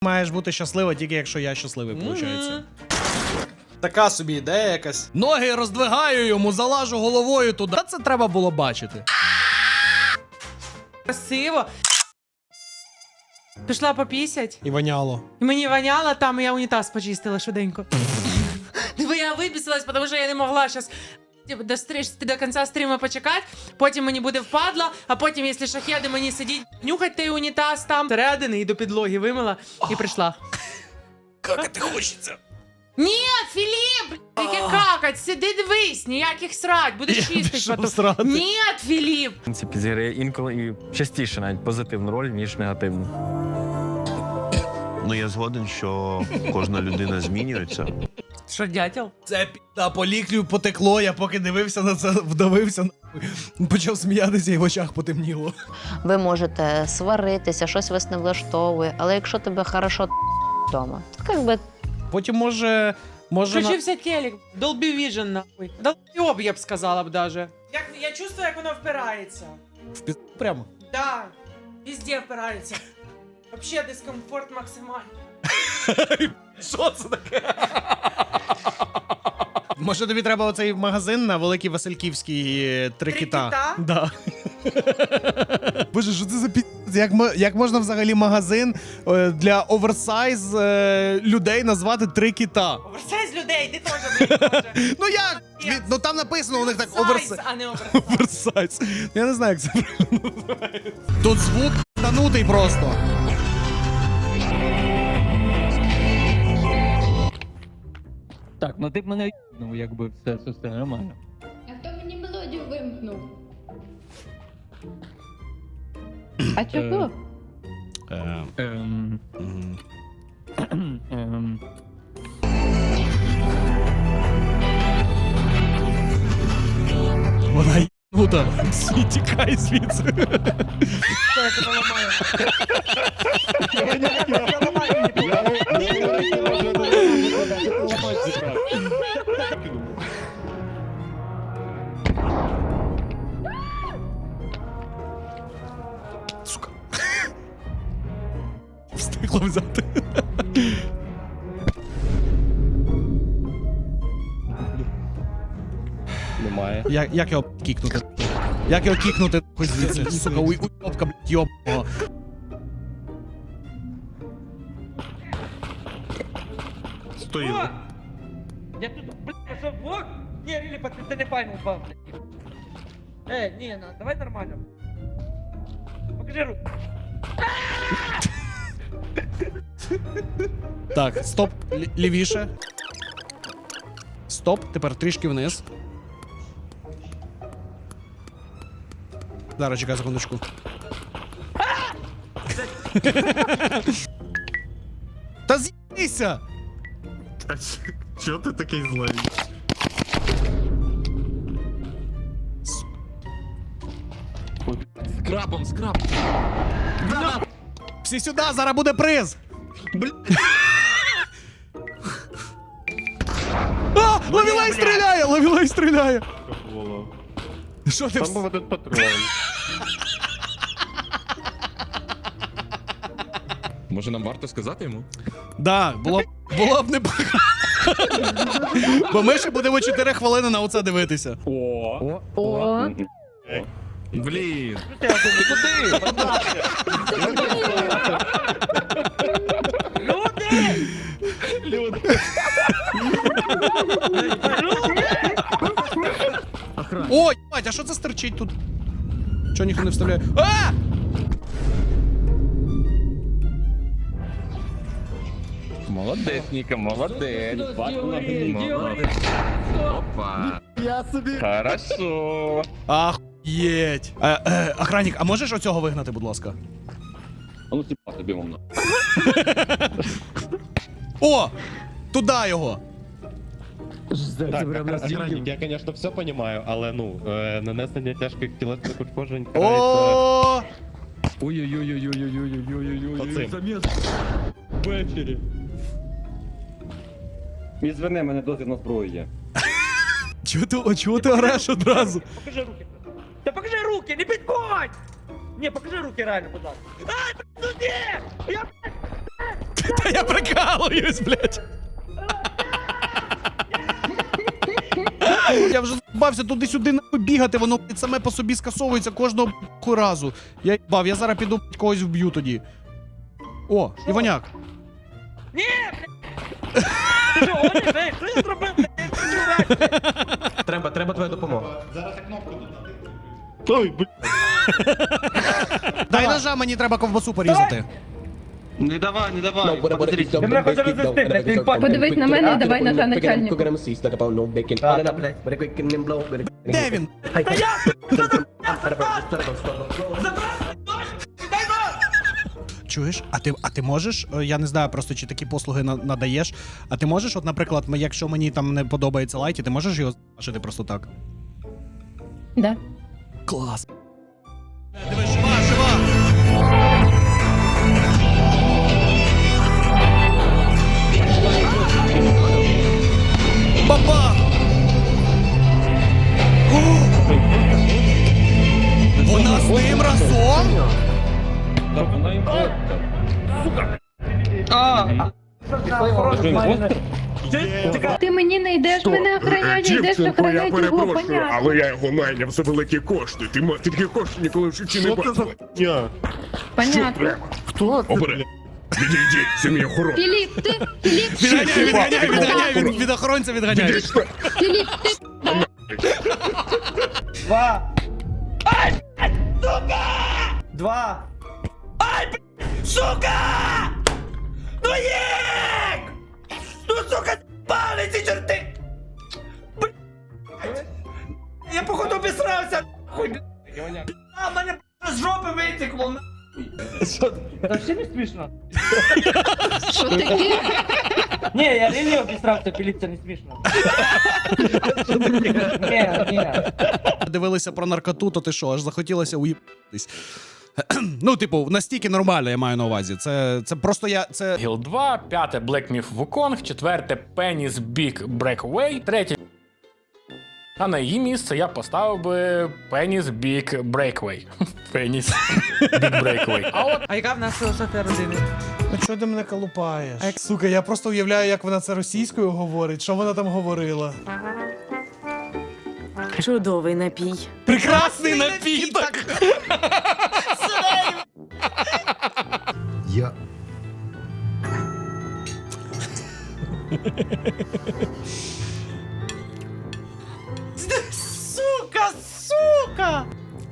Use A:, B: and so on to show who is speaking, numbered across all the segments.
A: маєш бути щаслива, тільки якщо я щасливий, виходить.
B: Така собі ідея якась.
A: Ноги роздвигаю йому, залажу головою туди. Та це треба було бачити.
C: Красиво. Пішла попісять.
A: І воняло.
C: І мені воняло там, і я унітаз почистила швиденько. Диви, я випісилась, тому що я не могла зараз до кінця стріму почекати, потім мені буде впадло, а потім, якщо шахеди мені сидіть, нюхать той унітаз там. Середини і до підлоги вимила і прийшла.
A: Какати хочеться.
C: Ні, Філіп, яке какать, сиди дивись, ніяких срать, будеш чистить потім. Ні, Філіп.
D: В принципі, зіграє інколи і частіше навіть позитивну роль, ніж негативну.
E: Ну, я згоден, що кожна людина змінюється.
C: Що, дятел?
A: Це пі***а, по ліклю потекло, я поки дивився на це, вдавився, почав сміятися і в очах потемніло.
F: Ви можете сваритися, щось вас не влаштовує, але якщо тебе хорошо вдома, то як би
A: Потім може
C: Включився телек, Dolby Vision, нахуй. Долбойоб, я б сказала б даже. Я чувствую, як воно впирається.
A: в пі*** прямо.
C: Да, везде впирається. Вообще дискомфорт максимальний.
A: Що це таке? Може тобі треба оцей магазин на Великій Васильківській «Три кита»?
C: кита?
A: Да. Боже, що це за пі***? Як можна взагалі магазин для оверсайз людей назвати «Три кита»?
C: Оверсайз людей, ти теж, блядь,
A: Ну як? Ну там написано у них так
C: Сайз,
A: оверсайз.
C: а не оверсайз.
A: Оверсайз. Я не знаю, як це правильно називається. Тут звук танутий просто.
G: Так, ну ти б мене ну якби все нормально.
H: А хто мені мелодію вимкнув? А чого?
A: Вона єбнута. Тікай звідси.
C: Що я тебе ламаю?
A: Сука. Встигла взяти.
B: Немає.
A: Як його кікнути? Як його кікнути хоч звідси? Сука, уйобка, блядь, йобного.
D: Стою.
G: Я тут, блядь, що, блок? Ні, Рілі, пацан, ти не файно упав, блядь. Ні, давай нормально. Покажи руку.
A: Так, стоп, лівіше. Стоп, тепер трішки вниз. Зараз, чекай секундочку. Та з'їбися!
D: Чого ти такий злий?
G: Скрабом.
A: Всі сюди, зараз буде приз! А! Ловілей стріляє! Ловілей стріляє! Що ти
D: Там був один патрон.
I: Може нам варто сказати йому?
A: Да, було б не бо ми ще будемо 4 хвилини на оце дивитися.
F: о,
I: Блін.
A: О, єбать, а що це стерчить тут? Чого ніхто не вставляє? А!
I: Молодець, Ніка, молодець. Молодець. Опа.
D: Я собі.
I: Хорошо.
A: Ахуєть. Охранник, а можеш оцього вигнати, будь ласка?
I: А ну сіпа тобі мовно.
A: О! Туди його!
B: Так, охранник, я, конечно, все понимаю, але, ну, нанесення тяжких тілесних ушкоджень
A: О!
I: Ой-ой-ой-ой-ой-ой-ой-ой-ой.
B: Оцим.
G: Ввечері.
J: Мій зверни, мене дозвіл на зброю є.
A: Чого ти ореш одразу?
G: Покажи руки. Та покажи руки, не підходь! Ні, покажи руки реально, будь ласка. Ай, блядь, ну ні! Я, блядь!
A: Та я прикалуюсь, блядь. Я вже бався туди-сюди нахуй бігати, воно блядь, саме по собі скасовується кожного блядь, разу. Я бав, я зараз піду блядь, когось вб'ю тоді. О, Іваняк.
G: Ні, блядь! Ти що, гониш, ей, що я зробив, блядь? Я хочу грати.
B: Треба твоя допомога.
A: Дай ножа, мені треба ковбасу порізати.
B: Не давай.
G: Ти мене хочеш розвести, блядь, ти пальцем.
H: Подивись на мене і давай ножа начальнику.
A: Де він? Чуєш? А ти можеш? Я не знаю просто, чи такі послуги надаєш. А ти можеш, от, наприклад, якщо мені там не подобається лайті, ти можеш його зашити просто так?
H: Да.
A: Клас. Диви, жива! Баба! Вона з ним разом?
H: Ти мені не йдеш, мене охороняють, йдеш охороняють його, понятно.
I: але я його найняв за великі кошти. Ти такі кошти ніколи в житті не бачив.
H: Понятно.
I: Хто? Обере. Відійди, це мій охорон.
H: Філіп, ти, Філіп,
A: Відганяй, від охоронця відганяй.
H: Філіп, ти.
G: Два. Ай, блядь, сука! Два. Ай, блядь, сука! Ну їк! Ну, сука, пали ці чорти! Блядь. Я походу обісрався, нахуй, блядь. А, мене з жопи витекло, нахуй. Що? Та ще не смішно?
H: Що таке?
G: Ні, я реально обісрався, Філіп, це не смішно. Ні.
A: Дивилися про наркоту, то ти що, аж захотілося уїбатись. Ну, типу, настільки нормально, я маю на увазі. Це просто я. Це.
K: Гіл 2, п'яте Black Myth Wukong, четверте Penny's Big Breakaway, третє. А на її місце я поставив би Penny's Big Breakaway. Penny's Big Breakaway. А от
C: А яка в нас філософія родини?
A: Ну чого ти мене колупаєш? Сука, я просто уявляю, як вона це російською говорить, що вона там говорила.
C: Чудовий напій.
A: Прекрасний напіток!
E: Я.
A: Сука!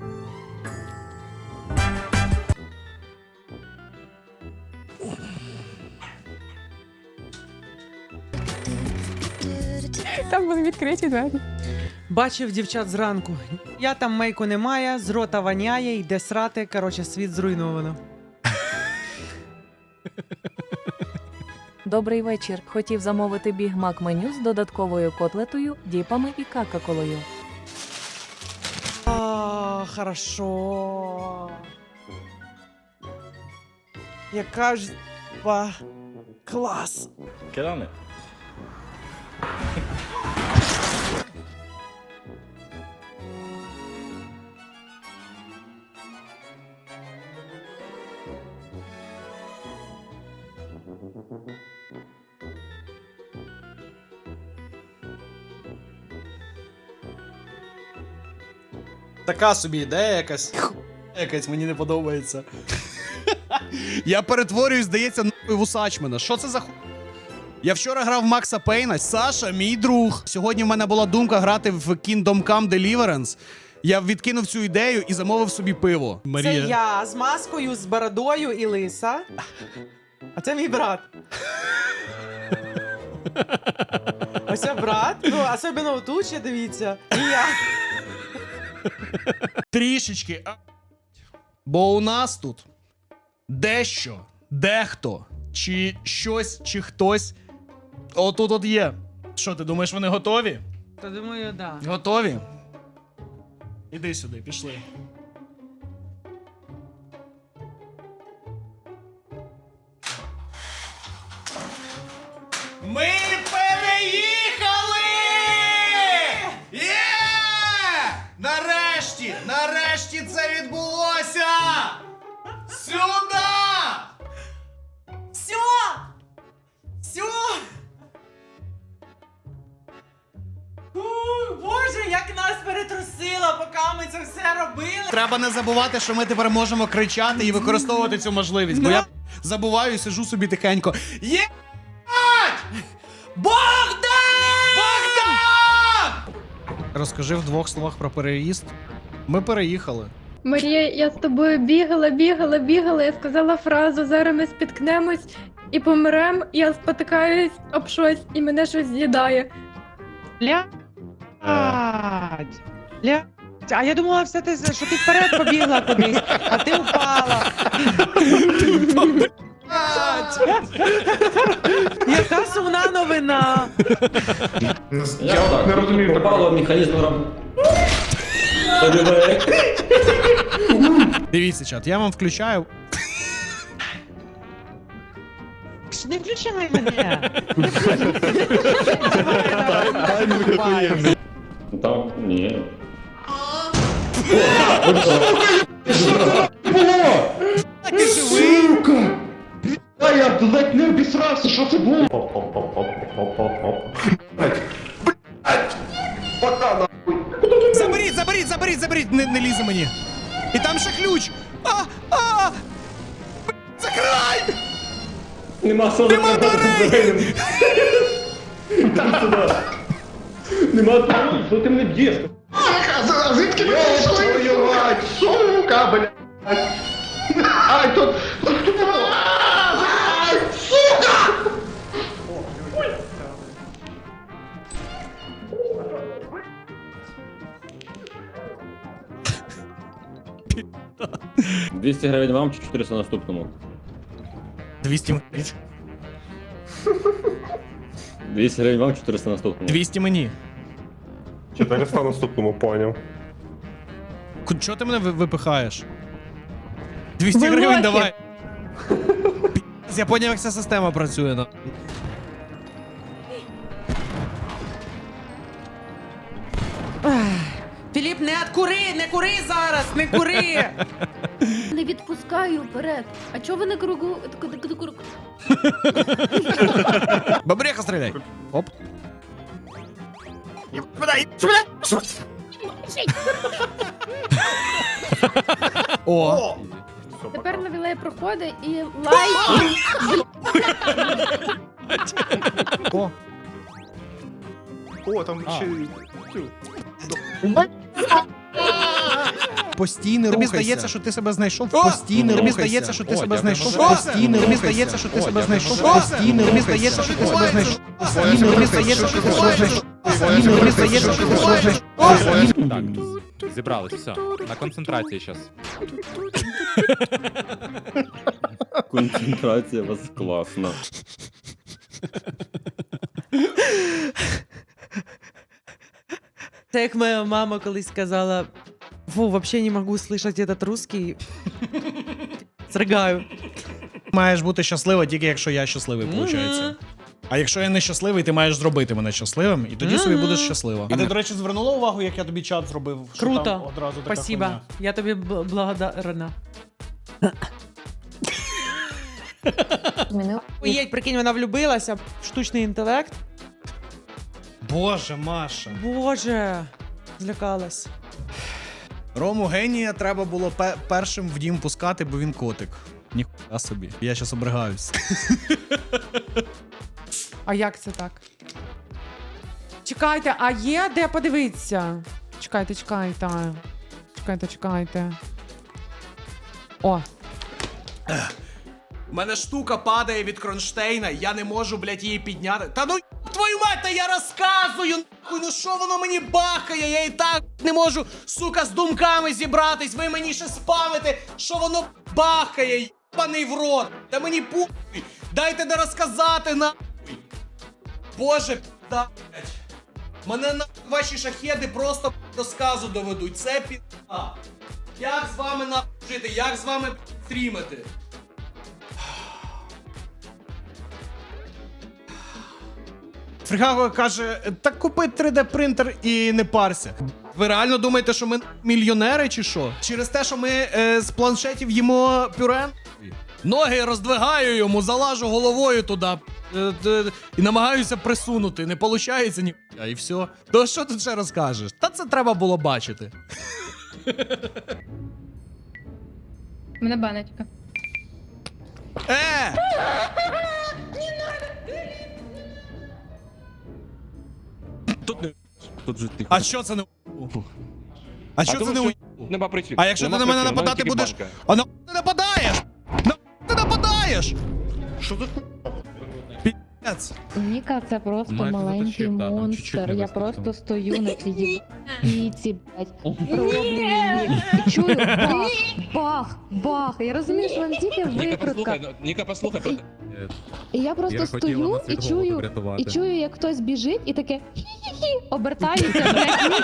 H: Там були відкриті двері.
C: Бачив дівчат зранку. Я там мейку немає, з рота воняє, йде срати. Коротше, світ зруйновано.
H: Добрий вечір. Хотів замовити бігмак меню з додатковою котлетою, діпами і какаколою.
C: А, хорошо. Яка ж клас.
I: Керами.
A: Така собі ідея якась. Якась мені не подобається. Я перетворююсь, здається, нахуй в Усачмена. Що це за ху... Я вчора грав в Макса Пейна. Саша, мій друг. Сьогодні в мене була думка грати в Kingdom Come Deliverance. Я відкинув цю ідею і замовив собі пиво.
C: Це я з маскою, з бородою і лиса. А це мій брат. Ось це брат. Ну, особливо тут ще дивіться. І я.
A: Трішечки. Бо у нас тут дещо, дехто, чи щось, чи хтось отут от є. Що, ти думаєш, вони готові?
C: То думаю, да.
A: Готові? Іди сюди, пішли. Ми переїхали! Є! Нарешті! Нарешті це відбулося! Сюди!
C: Все! як нас перетрусило, поки ми це все робили.
A: Треба не забувати, що ми тепер можемо кричати і використовувати цю можливість, бо я забуваю і сижу собі тихенько. Є!
C: Богдан!
A: Богдан! Розкажи в 2 словах про переїзд. Ми переїхали.
L: Марія, я з тобою бігала, я сказала фразу, зараз ми спіткнемось і помрем, я спотикаюсь об щось і мене щось з'їдає.
C: А я думала, що ти вперед побігла кудись, а ти упала. Яка сумна новина.
J: Я не розумію. Попало механізм роботи.
A: Дивіться, чат, я вам включаю.
C: Не включай мене.
J: Там, ні.
A: Ти живий?
B: А я ледь не обісрався, що це було?
A: Заберіть, не лізе мені. І там ще ключ. Закривай!
J: Нема сили.
A: Нема дверей!
J: Нема дверей. Що ти мене б'єш?
B: Звідки ви прийшли? Сука, блядь! Ай, тут... Ай, сука!
J: — 200 гривень вам чи 400 наступному?
A: 200
J: 200 гривень вам, 400 наступному.
A: 200 мені.
I: 400 наступному, поняв.
A: Чого ти мене випихаєш? 200 гривень давай. Я поняв, як ця система працює. Ну.
C: Філіп, не кури зараз, не кури!
L: Не відпускаю вперед. А чого ви не кругу?
A: Бабреха стріляй. Оп. О.
L: Тепер на вілеї проходить і лайк.
A: О.
I: О, там ще...
A: Постійно рухайся. Тобі здається, що ти себе знайшов. Постійно рухайся. Тобі здається, що ти себе знайшов. Постійно тобі здається, що ти себе знайшов. Постійно тобі здається, що ти себе знайшов. Постійно тобі здається, що ти себе знайшов. Постійно тобі здається, що ти себе знайшов.
M: Так, зібрались, все. На концентрації зараз.
J: Концентрація у вас класна.
C: Це як моя мама колись сказала: фу, вообще не можу слышать этот русский. Сригаю.
A: Маєш бути щаслива тільки якщо я щасливий, виходить. А якщо я не щасливий, ти маєш зробити мене щасливим, і тоді собі будеш щаслива. А ти, до речі, звернула увагу, як я тобі чат зробив? Що
C: Круто.
A: там одразу така
C: Спасибо.
A: хуйня?
C: Я тобі благодарна. Уєть, прикинь, вона влюбилася в штучний інтелект.
A: Боже, Маша.
C: Боже, злякалась.
A: Рому генія треба було першим в дім пускати, бо він котик. Ніхуя собі. Я щас обригаюсь.
C: А як це так? Чекайте, а є де подивитися? Чекайте. Чекайте. О.
A: У мене штука падає від кронштейна, я не можу, блядь, її підняти. Та ну твою мать, та я розказую, нахуй, ну що воно мені бахає, я і так не можу, сука, з думками зібратись, ви мені ще спамите, що воно бахає, єбаний в рот, та мені пухуй, дайте не розказати, нахуй. Боже, пізда, блядь. Мене нахуй ваші шахеди просто до сказу доведуть, це пізда. Як з вами нахуй жити, як з вами стрімити? Фрігаго каже, так купи 3D-принтер і не парся. Ви реально думаєте, що ми мільйонери чи що? Через те, що ми з планшетів їмо пюре? Ноги роздвигаю йому, залажу головою туди. і намагаюся присунути. Не виходить ні. І все. То що тут ще розкажеш? Та це треба було бачити.
L: Мене баночка.
B: Тут не тут же тихо.
A: А що це не А що це не
B: Нема причин.
A: А якщо ти на мене нападати будеш. А на ти нападаєш? На ти нападаєш?
B: Що тут?
A: Пі***ць.
L: Ніка, це просто
M: Майже
L: маленький
M: затащив, да, там чуть-чуть
L: монстр.
M: не
L: Я
M: вистачило.
L: просто стою на цій піці, блядь. Роблю її. І чую бах, бах, бах. Я розумію, що вам тільки викрутка.
B: Ніка, послухай.
L: І я просто стою і чую, як хтось біжить і таке хі-хі-хі, обертаюся, блядь.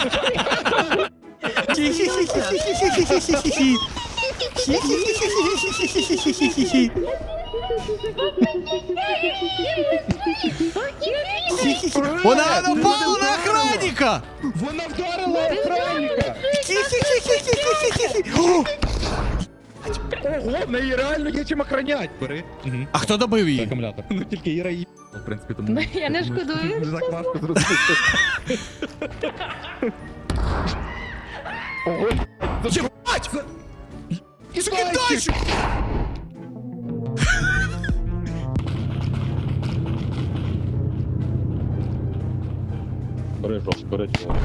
A: Хі-хі-хі-хі-хі-хі-хі-хі-хі. Хі-хі-хі-хі-хі-хі-хі-хі-хі. Вона напала на охранника!
B: Вона вдарила охранника!
A: Хі-хі-хі-хі-хі-хі-хі.
M: Ого, в неї реально є чим охранять. Бери.
A: А хто добив її?
B: Акумулятор.
M: Ну тільки Іра її. В принципі, тому...
L: Ну, я не шкодую.
M: Не так важко зрозуміти. Ого,
A: Єбать! Закидайчик!
B: Бери жовт, бери чого.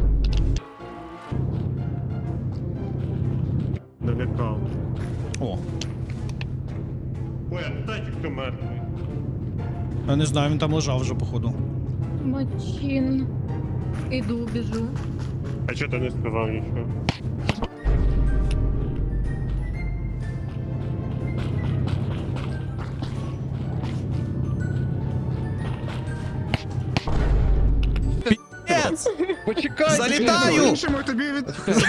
I: Налякав.
A: О,
I: Ой, а питайте, хто мертвий.
A: я не знаю, він там лежав вже, походу.
L: Мачин. Іду, біжу.
I: А чого ти не сказав нічого?
A: Пі***ць!
M: почекай!
A: Залітаю!
I: тобі від...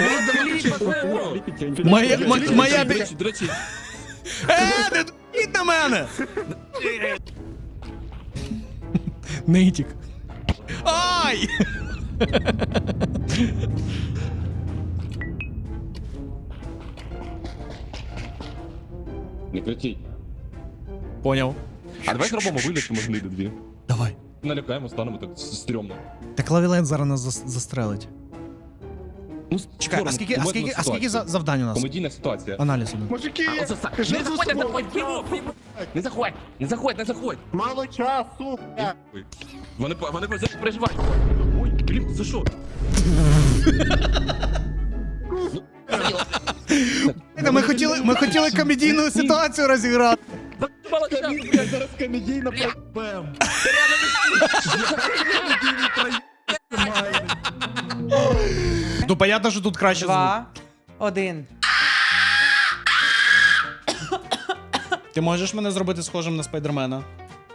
A: Моя
B: До речі,
A: не дуріть на мене! Нитік. Ай!
B: не кричіть.
A: Поняв.
B: А давай зробимо вигляд, що ми гниди дві.
A: Давай.
B: Налякаємо, станемо так стрьомно.
A: Так Лавілен зараз нас застрелить.
B: Ну,
A: Чекай, а скільки завдань у нас?
B: Комедійна ситуація.
A: Аналіз іде.
I: Мужики,
B: Не заходь, не заходь, не заходь, не заходь, не заходь.
I: мало часу.
B: Вони переживають. Ой, блін, за що?
A: Ми хотіли комедійну ситуацію розіграти.
B: Мало часу.
M: Зараз комедійна проєбем.
A: Ну, понятно, що тут краще звук.
C: 2, 1.
A: Ти можеш мене зробити схожим на Спайдермена?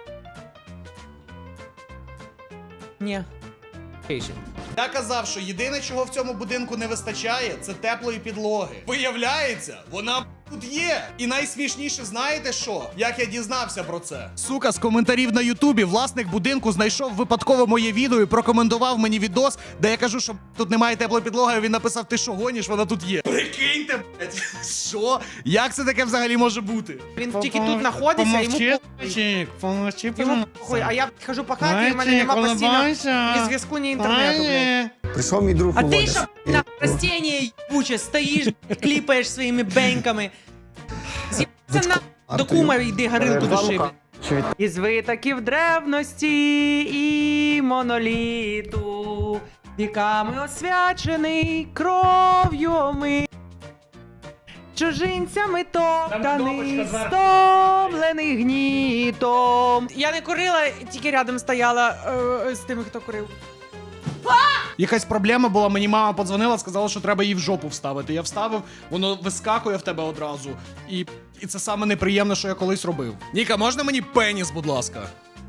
C: Ні.
A: Я казав, що єдине, чого в цьому будинку не вистачає, це теплої підлоги. Виявляється, вона тут є. І найсмішніше, знаєте що? Як я дізнався про це? Сука, з коментарів на Ютубі власник будинку знайшов випадково моє відео і прокоментував мені відос, де я кажу, що тут немає теплої підлоги, а він написав: ти що гониш, вона тут є. Прикиньте, блядь, що? Як це таке взагалі може бути?
C: Він тільки тут знаходиться, йому похуй. А я хожу по хаті, і в мене нема постійно ні зв'язку, ні інтернету, блядь.
G: Прийшов мій друг
C: А ти що, на растіння ебуче, стоїш, кліпаєш своїми беньками. З'їбався на до кума йди горилку души. Із витоків древності і моноліту, віками освячений кров'ю ми. Чужинцями топтаний, стомлений гнітом. Я не курила, тільки рядом стояла з тими, хто курив.
A: Якась проблема була, мені мама подзвонила, сказала, що треба її в жопу вставити. Я вставив, воно вискакує в тебе одразу. І це саме неприємне, що я колись робив. Ніка, можна мені пеніс, будь ласка?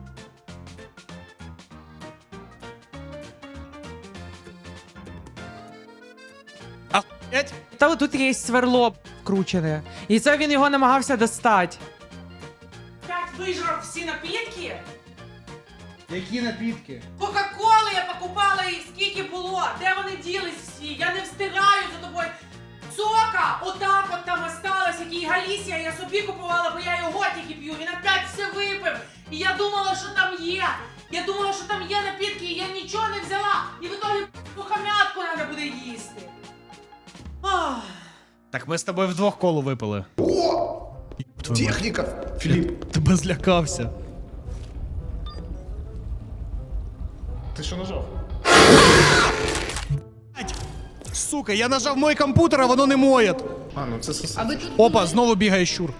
A: Ахуєть?
C: Та тут є сверло вкручене. І це він його намагався достати. Так вижрав всі напітки?
A: Які напітки?
C: Кока-коли я покупала їх, скільки було? Де вони ділись всі? Я не встигаю за тобою. Сока отак от там осталось, який Галісія, я собі купувала, бо я його тільки п'ю. Він опять все випив. І я думала, що там є. Я думала, що там є напітки, і я нічого не взяла. І в итоге пухомятку треба буде їсти. Ах.
A: Так ми з тобою вдвох колу випили.
M: Техніка! Філіп,
A: Тебе злякався.
M: ти що нажав?
A: Сука, я нажав мой комп'ютер, а воно не моє.
M: А, ну це сосед.
A: Опа, знову бігає щур.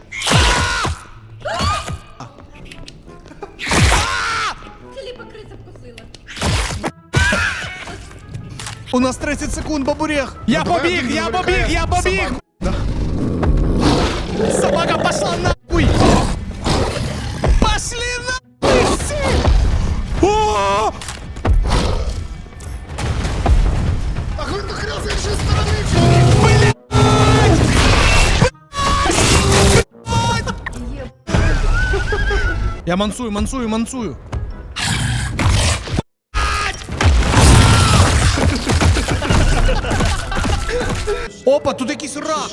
L: Філіпа криця вкусила.
A: У нас 30 секунд, бабурех. Я побіг, я побіг, я побіг. Собака пошла нахуй. Пошли нахуй всі. О!
M: Ах, ви нахрен з іншої сторони!
A: Я мансую. Опа, тут якийсь рак.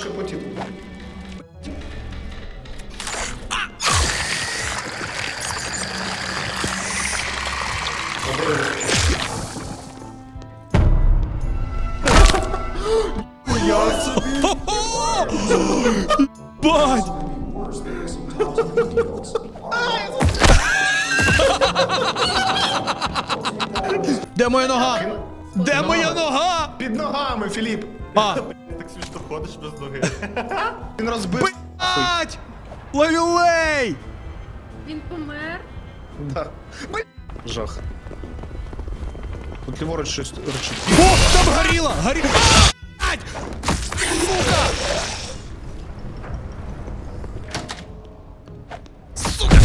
A: Бать! Де моя нога? Де моя нога?
M: Під ногами, Філіп!
A: А,
E: Так смішно ходиш без ноги.
M: Він розбив.
A: бать! Ловілей!
L: Він помер.
M: Да. Жах. Тут ліворуч щось речить.
A: О, там горіло! Горіло! Бать! Сука! Сука!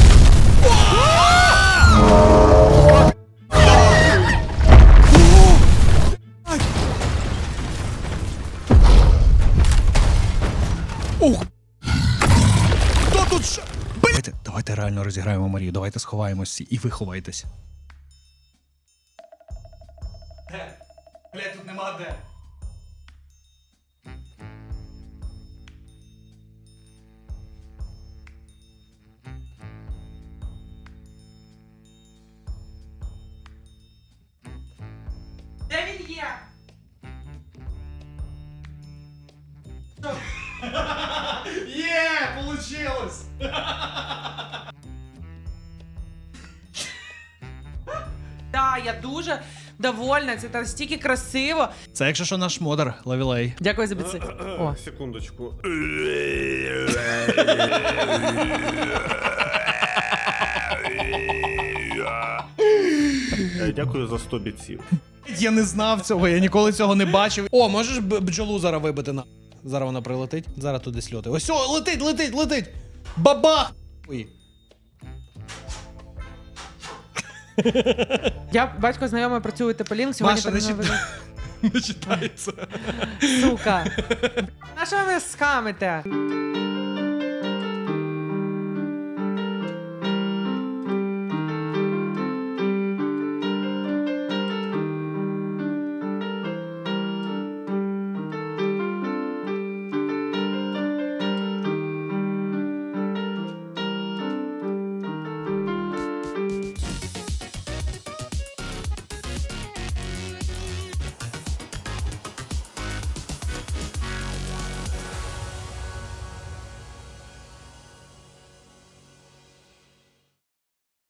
A: Ух! Хто тут ще? Давайте реально розіграємо Марію, давайте сховаємось всі і ви ховайтесь. Де? Блядь, тут нема де.
C: Де він є?
A: Є, получилось!
C: Да, я дуже довольна, це настільки красиво.
A: Це якщо що наш модер, Лавілей.
C: Дякую за біци. О.
E: Секундочку. Дякую за 100 бійців.
A: Я не знав цього, я ніколи цього не бачив. О, можеш бджолу зараз вибити на. Зараз вона прилетить, зараз туди сльоти. Ось, о, летить! Бабах! Ой.
C: Я батько знайомий працює Теплінк, сьогодні
A: Маша,
C: так
A: не читається.
C: Сука. На що ви скамите?